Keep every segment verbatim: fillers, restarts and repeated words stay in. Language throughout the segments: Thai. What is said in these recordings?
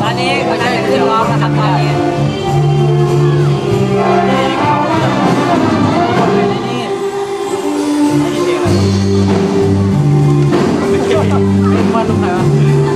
อันนี้ไม่ใช่ขึ้นร้องนะครับตอนนี้มันลงไหนวะ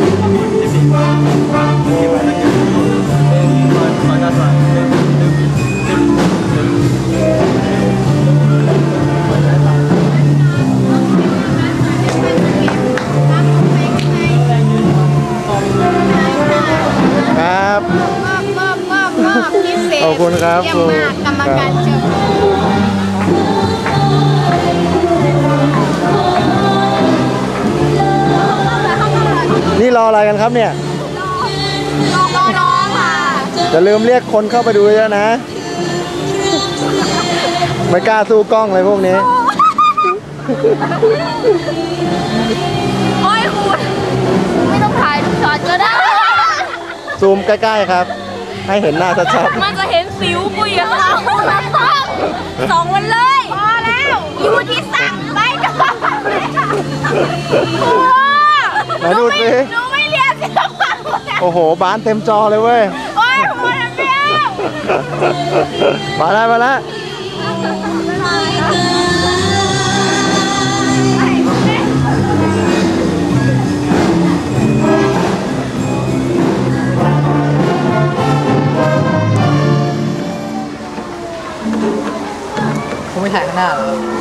ครับมอบมอบมอบมอบพิเศษขอบคุณครับเยี่ยมมากกรรมการเชิญนี่รออะไรกันครับเนี่ยรอรอรอค่ะจะลืมเรียกคนเข้าไปดูเยอะนะ ไม่กล้าสู้กล้องเลยพวกนี้โอ้ยคุณไม่ต้องถ่ายทุกช็อตก็ได้ซูมใกล้ๆครับ ให้เห็นหน้าชัดมันจะเห็นสิวปุยอะค่ะสองวันเลยพอแล้วอยู่ที่สั่งไปก่อนๆไหนดูสิหนูไม่เรียนศิลปะโอ้โหบ้านเต็มจอเลยเว้ยโอ้ยหัวน้ำเบี้ยวมาแล้วมาแล้วผมไม่ถ่ายข้างหน้าหรอ